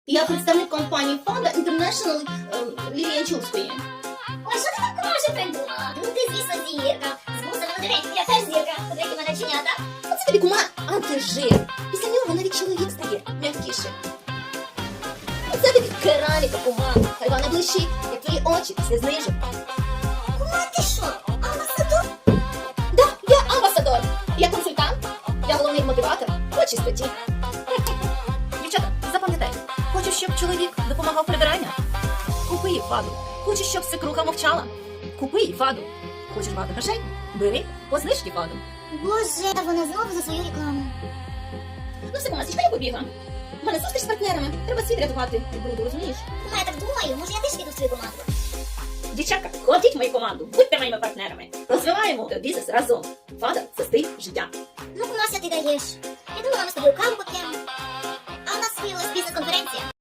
Я представник компанії Фада International Лілії Янчурської. Ой, що ти так може придумала? Ну ти, звісно, зірка. З вусами на дереві, я теж зірка. Подивіться мене чинята. Оце тобі, кума, антижир. Після нього навіть чоловік стає м'якішим. Оце тобі кераміка, кума. Хай вона блищить, як твої очі після знижок. Кума, ти що? Амбасадор? Да, я амбасадор. Я консультант. Я головний мотиватор по чистоті. Дівчата, запам'ятайте, хочеш, щоб чоловік допомагав прибирання? Купи їй Фаду. Хочеш, щоб свекруха мовчала? Купи їй Фаду. Хочеш багато грошей? Бери по знижці Фаду. Боже, вона знову за свою рекламу. Ну все, кумасечка, я побігла. У мене зустріч з партнерами. Треба світ рятувати від бруду, розумієш? Кума, я так думаю, може я теж піду в свою команду? Дівчатка, ходіть в мою команду, будьте моїми партнерами. Розвиваємо бізнес разом. Фада – це стиль життя. Ну, Кумася, ти даєш. Я думала, ми з тобою каву поп'ємо. А у нас виявилась бізнес-конференція.